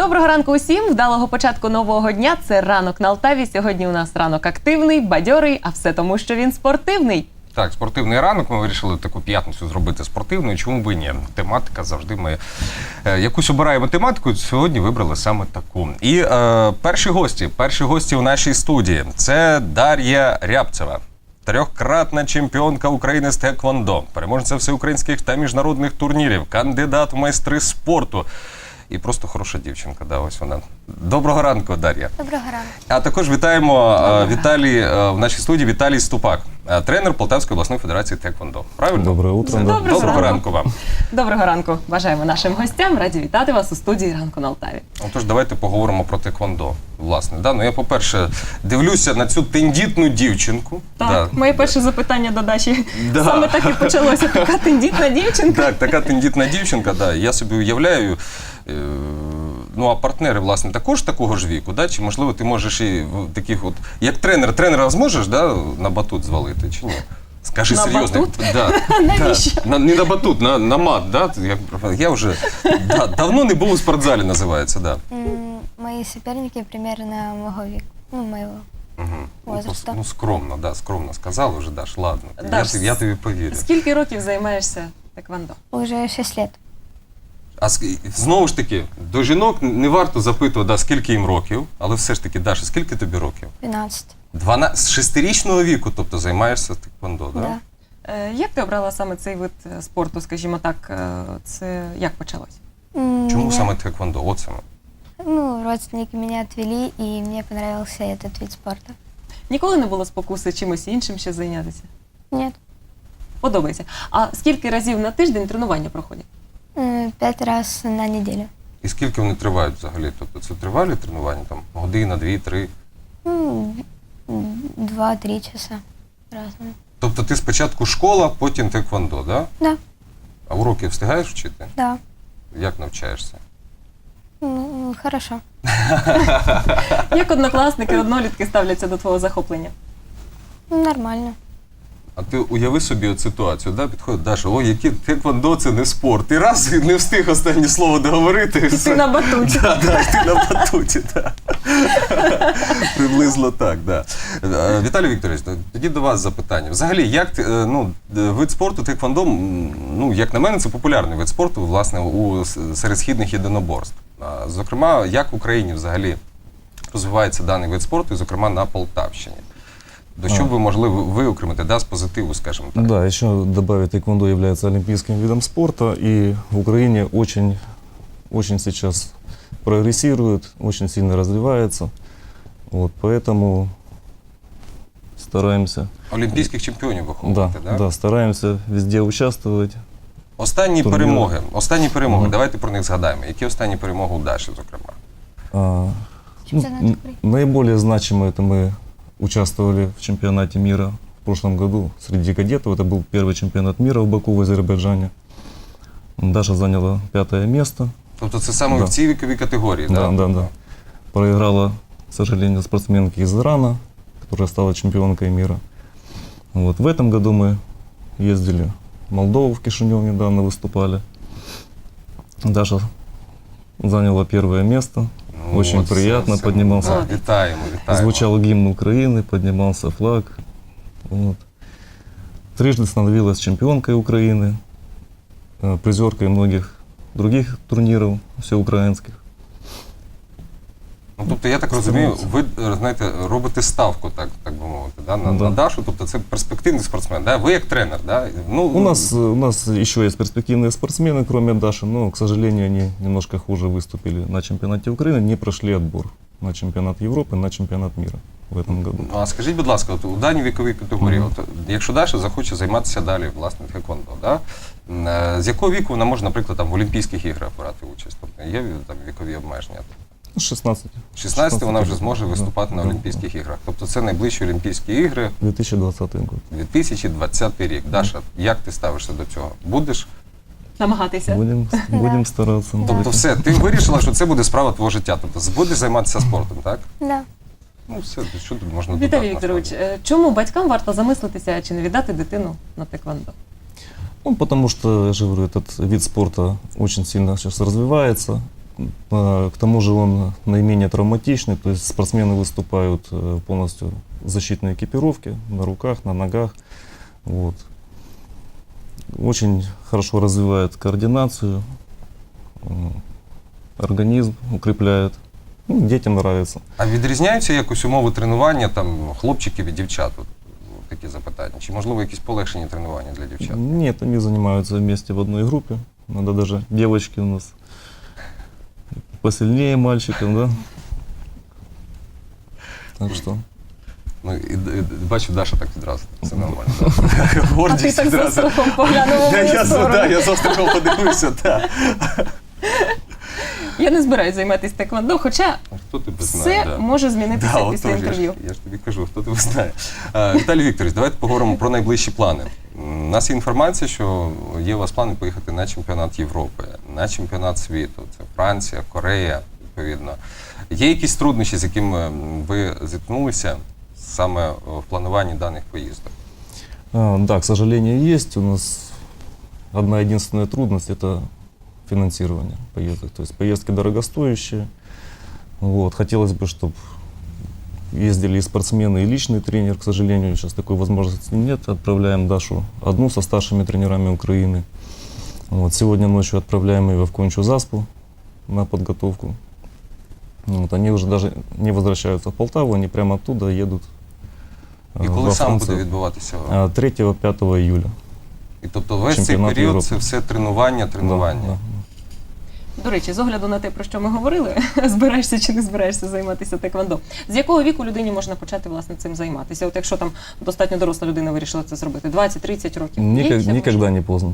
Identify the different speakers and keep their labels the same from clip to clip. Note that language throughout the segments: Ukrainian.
Speaker 1: Доброго ранку усім, вдалого початку нового дня. Це ранок на Алтаві. Сьогодні у нас ранок активний, бадьорий, а все тому, що він спортивний.
Speaker 2: Так, спортивний ранок. Ми вирішили таку п'ятницю зробити спортивною. Чому б і ні? Тематика завжди ми якусь обираємо тематику. Сьогодні вибрали саме таку. І перші гості у нашій студії. Це Дар'я Рябцева. Трьохкратна чемпіонка України з теквондо, переможниця всеукраїнських та міжнародних турнірів, кандидат в майстри спорту. І просто хороша дівчинка, да, ось вона. Доброго ранку, Дар'я.
Speaker 3: Доброго ранку.
Speaker 2: А також вітаємо в нашій студії Віталій Ступак, тренер Полтавської обласної федерації теквондо. Правильно?
Speaker 4: Доброе утро.
Speaker 2: Доброго ранку вам.
Speaker 1: Доброго ранку. Бажаємо нашим гостям. Раді вітати вас у студії «Ранку на Алтаві».
Speaker 2: Отож, давайте поговоримо про теквондо. Власне, да? Ну, я, по-перше, дивлюся на цю тендітну дівчинку.
Speaker 1: Так,
Speaker 2: да.
Speaker 1: моє перше запитання до Даші.
Speaker 2: Да.
Speaker 1: Саме так і почалося. Така тендітна дівчинка.
Speaker 2: Так, така тендітна дівчинка, да. Я собі уявляю. Ну, а партнери, власне, також такого ж віку, да? Чи, можливо, ти можеш і таких от... Як тренера зможеш, да, на батут звалити, чи ні? Скажи
Speaker 1: на
Speaker 2: серйозно.
Speaker 1: Батут?
Speaker 2: Да.
Speaker 1: Навіщо?
Speaker 2: Да. Не на батут, на мат, да? Я вже давно не був у спортзалі, називається, да.
Speaker 3: Мои соперники примерно моего века, моего возраста.
Speaker 2: Ну, скромно, да, скромно сказала вже, Даш, ладно.
Speaker 1: Даш,
Speaker 2: Я тобі повірю.
Speaker 1: Скільки років займаєшся теквондо?
Speaker 3: Уже 6 лет.
Speaker 2: А знову ж таки, до жінок не варто запитувати, да, скільки їм років, але все ж таки, Даша, скільки тобі років?
Speaker 3: 12.
Speaker 2: З 6-річного віку, тобто, займаєшся теквондо, так?
Speaker 3: Да.
Speaker 1: Як ти обрала саме цей вид спорту, скажімо так, це як почалось?
Speaker 2: Чому саме теквондо? От саме.
Speaker 3: Родственники меня отвели, и мне понравился этот вид спорта.
Speaker 1: Ніколи не було спокуси чимось іншим ще зайнятися?
Speaker 3: Нет.
Speaker 1: Подобається. А скільки разів на тиждень тренування проходять?
Speaker 3: 5 раз на неделю.
Speaker 2: І скільки вони тривають взагалі? Тобто це тривалі тренування? Там година, 2-3?
Speaker 3: 2-3 часа. Разные.
Speaker 2: Тобто ти спочатку школа, потім теквондо, да?
Speaker 3: Да.
Speaker 2: А уроки встигаєш вчити?
Speaker 3: Да.
Speaker 2: Як навчаєшся?
Speaker 3: Хорошо.
Speaker 1: Як однокласники, однолітки ставляться до твого захоплення?
Speaker 3: Нормально.
Speaker 2: А ти уяви собі от ситуацію, да? Підходить Даша, яке теквондо це не спорт. І раз, і не встиг останнє слово договорити.
Speaker 1: І ти на батуті.
Speaker 2: Так, ти на батуті, так. Приблизно так, так. Віталій Вікторович, тоді до вас запитання. Взагалі, як вид спорту теквондо, як на мене, це популярний вид спорту, власне, серед східних єдиноборств. Зокрема, як в Україні взагалі розвивається даний вид спорту, і, зокрема, на Полтавщині? До чого ви могли виокремити, да, з позитиву, скажімо так?
Speaker 4: Да, еще добавить, тхэквондо является олимпийским видом спорта, и в Украине очень сейчас прогрессирует, очень сильно развивается. Вот, поэтому стараемся.
Speaker 2: Олімпійських чемпіонів виховувати,
Speaker 4: Да, да, стараемся везде участвовать.
Speaker 2: Останні перемоги, давайте про них згадаємо. Які останні перемоги у Даші, зокрема?
Speaker 3: Чемпионат Украины.
Speaker 4: Наиболее значимо это мы участвовали в чемпионате мира в прошлом году среди кадетов. Это был первый чемпионат мира в Баку, в Азербайджане. Даша заняла 5-е место.
Speaker 2: Тобто це саме в цій віковій категорії,
Speaker 4: да? Да, да. Проиграла, к сожалению, спортсменке из Ирана, которая стала чемпионкой мира. Вот. В этом году мы ездили в Молдову, в Кишинев недавно выступали. Даша заняла 1-е место. Очень приятно, поднимался.
Speaker 2: Вітаємо.
Speaker 4: Звучал гимн Украины, поднимался флаг. Вот. Трижды становилась чемпионкой Украины, призеркой многих других турниров всеукраїнських.
Speaker 2: Тобто, я так розумію, ви, знаєте, робите ставку, так би мовити, да, на Дашу, тобто це перспективний спортсмен, да? Ви як тренер, да?
Speaker 4: У нас еще есть перспективные спортсмены, кроме Даши, но, к сожалению, они немножко хуже выступили на чемпионате Украины, не прошли отбор на чемпионат Европы, на чемпионат мира в этом году.
Speaker 2: А скажіть, будь ласка, у даній віковій категорії, якщо Даша захоче займатися далі, власне, тхеквондо, да? З якого віку вона може, наприклад, в Олімпійських іграх брати участь? Тобто є там вікові обмеження?
Speaker 4: 16.
Speaker 2: 16 вона вже зможе виступати на Олімпійських іграх. Тобто це найближчі Олімпійські ігри.
Speaker 4: 2020 год.
Speaker 2: 2020 рік. Даша, як ти ставишся до цього? Будеш?
Speaker 1: Намагатися.
Speaker 4: Будем стараться.
Speaker 2: Тобто все, ти вирішила, що це буде справа твого життя. Тобто будеш займатися спортом, так?
Speaker 3: Да.
Speaker 2: Ну все, що тут можна додати?
Speaker 1: Віталій Вікторович, чому батькам варто замислитися, чи не віддати дитину на тхеквондо?
Speaker 4: Потому что, я же говорю, этот вид спорта очень сильно сейчас развивается. К тому же он наименее травматичный, то есть спортсмены выступают полностью в защитной экипировке, на руках, на ногах. Вот. Очень хорошо развивает координацию, организм укрепляет. Ну, детям нравится.
Speaker 2: А відрізняються якось умови тренування там хлопчиків і дівчат? От такі запитання. Чи можливо якісь полегшені тренування для дівчат?
Speaker 4: Нет, они занимаются вместе в одной группе. Надо даже девочки у нас посильнее мальчиков, да? Так что...
Speaker 2: Ну, і бачу, Даша так відразу. Все нормально. Да.
Speaker 1: А ти
Speaker 2: Гордість
Speaker 1: так з
Speaker 2: відразу.
Speaker 1: острахом поглянув у мою
Speaker 2: Я
Speaker 1: сторону.
Speaker 2: з острахом подивився, так.
Speaker 1: Я не збираюсь займатися теквондо, хоча
Speaker 2: Хто тебе
Speaker 1: все
Speaker 2: знає? Да.
Speaker 1: може змінитися
Speaker 2: Да,
Speaker 1: після
Speaker 2: отож,
Speaker 1: інтерв'ю.
Speaker 2: я ж тобі кажу, хто тебе знає. Віталій Вікторович, давайте поговоримо про найближчі плани. У нас є інформація, що є у вас плани поїхати на чемпіонат Європи, на чемпіонат світу. Це Франція, Корея, відповідно. Є якісь труднощі, з якими ви зіткнулися саме в плануванні даних поїздок?
Speaker 4: Да, к сожалению, есть. У нас одна единственная трудность – это финансирование поездок. То есть поездки дорогостоящие. Вот. Хотелось бы, чтобы ездили и спортсмены, и личный тренер. К сожалению, сейчас такой возможности нет. Отправляем Дашу одну со старшими тренерами Украины. Вот. Сегодня ночью отправляем ее в Кончу Заспу на подготовку. Вот. Они уже даже не возвращаются в Полтаву, они прямо оттуда едут
Speaker 2: І
Speaker 4: во
Speaker 2: коли саме буде
Speaker 4: Францию.
Speaker 2: відбуватися?
Speaker 4: 3-5 июля.
Speaker 2: І тобто весь цей
Speaker 4: Чемпіонат
Speaker 2: період
Speaker 4: Європи.
Speaker 2: це все тренування.
Speaker 4: Да.
Speaker 1: До речі, з огляду на те, про що ми говорили, збираєшся чи не збираєшся займатися теквондо. З якого віку людині можна почати, власне, цим займатися? От якщо там достатньо доросла людина вирішила це зробити, 20-30 років. Є
Speaker 4: Никогда,
Speaker 1: ще
Speaker 4: никогда не поздно.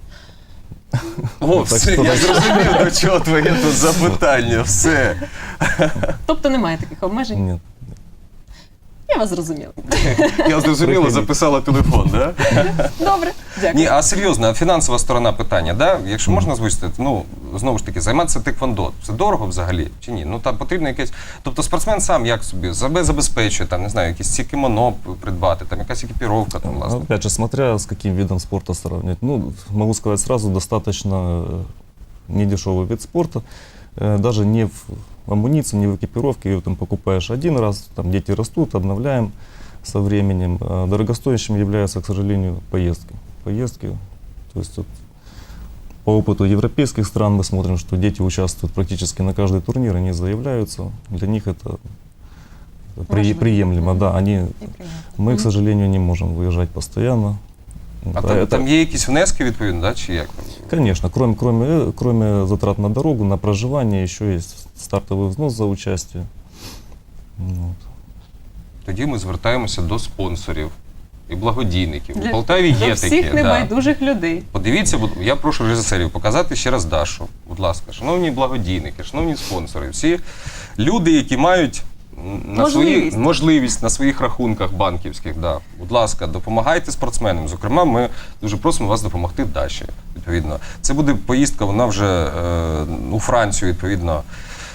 Speaker 2: О,
Speaker 4: Так
Speaker 2: все,
Speaker 4: що-
Speaker 2: я зрозумів, до чого твоє тут запитання, все.
Speaker 1: Тобто немає таких обмежень?
Speaker 4: Нет.
Speaker 1: Я вас зрозуміла.
Speaker 2: Я зрозуміло, записала телефон, да?
Speaker 1: Добре, дякую.
Speaker 2: Ні, а серйозно, а фінансова сторона питання, да? Якщо можна звучити, ну, знову ж таки, займатися теквондо, це дорого взагалі чи ні? Ну, там потрібно якесь, тобто спортсмен сам як собі себе забезпечує, там, не знаю, якісь ці кімоно придбати, там якась екіпіровка, там, власне.
Speaker 4: Опять же, смотря с каким видом спорта сравнивать. Ну, могу сказать сразу, достаточно недешевый вид спорта. Даже не в амуниции, не в экипировке. Ее там покупаешь один раз, там дети растут, обновляем со временем. А дорогостоящим являются, к сожалению, поездки. Поездки. То есть вот, по опыту европейских стран мы смотрим, что дети участвуют практически на каждый турнир, они заявляются. Для них это
Speaker 1: Важно.
Speaker 4: приемлемо. Да, они,
Speaker 1: І прийняти.
Speaker 4: мы, к сожалению, не можем выезжать постоянно.
Speaker 2: А
Speaker 4: Вот,
Speaker 2: там,
Speaker 4: это-
Speaker 2: там є якісь внески, відповідно, да, чи як?
Speaker 4: Конечно, кроме затрат на дорогу, на проживание, еще есть стартовый взнос за участие. Вот.
Speaker 2: Тоді ми звертаємося до спонсорів і благодійників. У
Speaker 1: Для-
Speaker 2: Полтаві є
Speaker 1: До
Speaker 2: такі.
Speaker 1: всіх
Speaker 2: да.
Speaker 1: небайдужих людей.
Speaker 2: Подивіться, я прошу режисерів показати ще раз Дашу. Будь ласка, шановні благодійники, шановні спонсори, всі люди, які мають можливість на своїх рахунках банківських, да. Будь ласка, допомагайте спортсменам. Зокрема, ми дуже просимо вас допомогти Даші. Відповідно, це буде поїздка, вона вже у Францію, відповідно,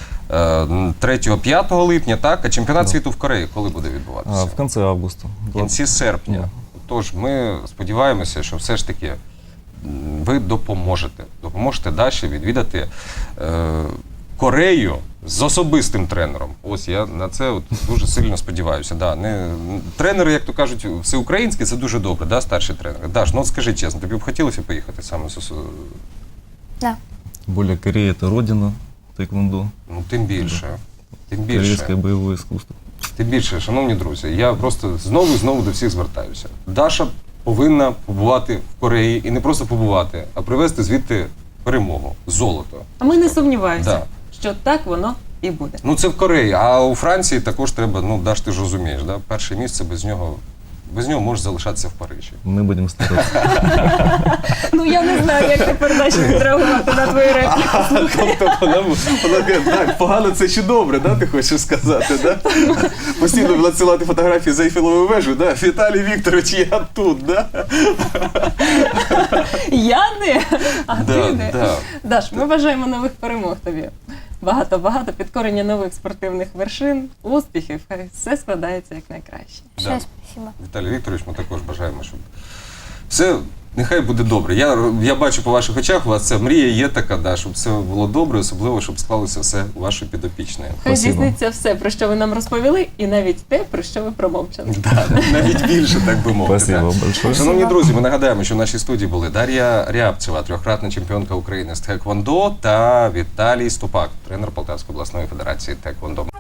Speaker 2: 3-5 липня, так? А чемпіонат
Speaker 4: Да.
Speaker 2: світу в Кореї коли буде відбуватися?
Speaker 4: В конце августа.
Speaker 2: В кінці серпня.
Speaker 4: Да.
Speaker 2: Тож ми сподіваємося, що все ж таки ви допоможете. Допоможете Даші відвідати Корею з особистим тренером. Ось я на це от дуже сильно сподіваюся. Да. Тренери, як то кажуть, всеукраїнські, це дуже добре, да, старші тренери. Даш, ну от скажи чесно, тобі б хотілося поїхати саме з
Speaker 3: Да.
Speaker 4: Тем более Корея – это родина тэквондо,
Speaker 2: Ну, тим більше. Тим більше.
Speaker 4: корейское боевое искусство.
Speaker 2: Тим більше, шановні друзі, я просто знову і знову до всіх звертаюся. Даша повинна побувати в Кореї і не просто побувати, а привезти звідти перемогу, золото.
Speaker 1: А ми не сумніваємося,
Speaker 2: Да.
Speaker 1: що так воно і буде.
Speaker 2: Ну це в Кореї, а у Франції також треба, ну Даш, ти ж розумієш, да? Перше місце без нього може залишатися в Парижі.
Speaker 4: Мы будем стараться.
Speaker 1: Ну я не знаю, як тепер далі відреагувати на твою репліку.
Speaker 2: Тобто вона каже, так, погано це чи добре, да, ти хочеш сказати, да? Постійно надсилати фотографії за Ейфелевою вежею, да? Віталій Вікторович, я тут, да?
Speaker 1: Я не, а ти не.
Speaker 2: Да.
Speaker 1: Даш, ми бажаємо нових перемог тобі. Багато-багато підкорення нових спортивних вершин, успіхів, хай все складається як найкраще.
Speaker 3: Большое
Speaker 2: Да.
Speaker 3: спасибо.
Speaker 2: Віталій Вікторович, ми також бажаємо, щоб все Нехай буде добре. Я бачу по ваших очах, у вас ця мрія є така, да, щоб все було добре, особливо, щоб склалося все у вашої підопічної.
Speaker 1: Хай
Speaker 4: Спасибо.
Speaker 1: здійсниться все, про що ви нам розповіли, і навіть те, про що ви промовчали.
Speaker 2: Да, навіть більше, так би мовити.
Speaker 4: Спасибо
Speaker 2: да.
Speaker 4: большое.
Speaker 2: Шановні друзі, ми нагадаємо, що в нашій студії були Дар'я Рябцева, трьохкратна чемпіонка України з тхеквондо, та Віталій Ступак, тренер Полтавської обласної федерації тхеквондо.